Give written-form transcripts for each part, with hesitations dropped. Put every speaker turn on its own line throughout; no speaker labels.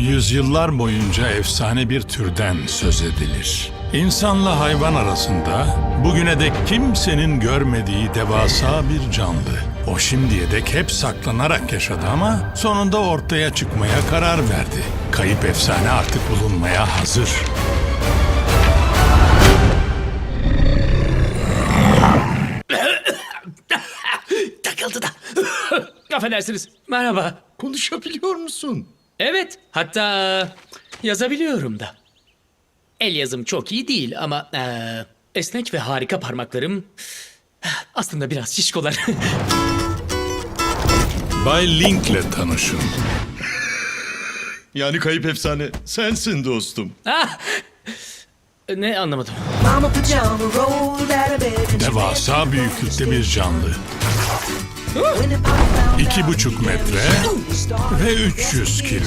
Yüzyıllar boyunca efsane bir türden söz edilir. İnsanla hayvan arasında bugüne dek kimsenin görmediği devasa bir canlı. O şimdiye dek hep saklanarak yaşadı ama sonunda ortaya çıkmaya karar verdi. Kayıp efsane artık bulunmaya hazır.
Takıldı da. Affedersiniz. Merhaba.
Konuşabiliyor musun?
Evet, hatta yazabiliyorum da. El yazım çok iyi değil ama esnek ve harika parmaklarım aslında biraz şişkolar.
Bay Link'le tanışın.
Yani kayıp efsane sensin dostum.
Ne anlamadım.
Mama pajama rolled out of bed and she
Devasa büyüklükte bir canlı.
when the papa found out
2,5 metre ve 300 kilo.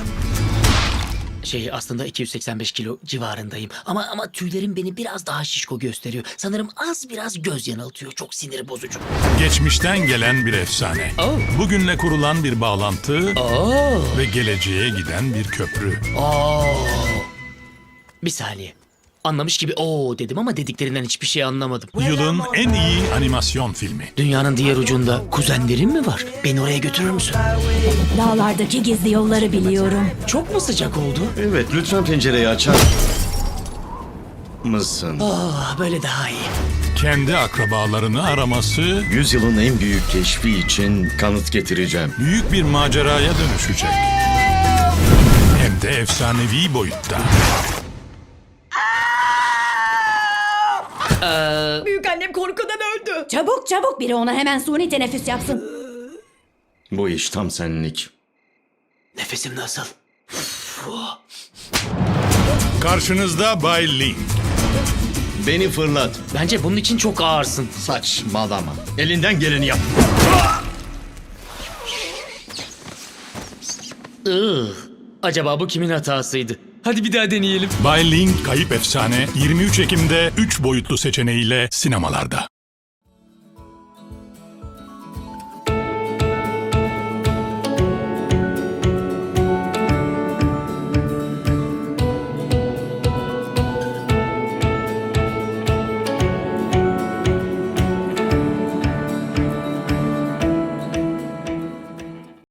Aslında 285 kilo civarındayım. Ama tüylerim beni biraz daha şişko gösteriyor. Sanırım az biraz göz yanıltıyor. Çok sinir bozucu.
Geçmişten gelen bir efsane.
Oh.
Bugünle kurulan bir bağlantı
Oo.
ve geleceğe giden bir köprü.
Bir saniye. Anlamış gibi dedim ama dediklerinden hiçbir şey anlamadım.
Yılın en iyi animasyon filmi.
Dünyanın diğer ucunda kuzenlerim mi var? Beni oraya götürür müsün?
Dağlardaki gizli yolları biliyorum.
Çok mu sıcak oldu?
Evet, lütfen pencereyi açar mısın?
Böyle daha iyi.
Kendi akrabalarını araması
Yüzyılın en büyük keşfi için kanıt getireceğim.
büyük bir maceraya dönüşecek. Hem de efsanevi boyutta.
Büyükannem korkudan öldü. Çabuk çabuk biri ona hemen suni teneffüs yapsın.
Bu iş tam senlik.
Nefesim nasıl?
Karşınızda Bay Link.
Beni fırlat.
Bence bunun için çok ağırsın.
Saçmalama. Elinden geleni yap.
Acaba bu kimin hatasıydı? Hadi bir daha deneyelim.
Bay Link Kayıp Efsane 23 Ekim'de 3 boyutlu seçeneğiyle sinemalarda.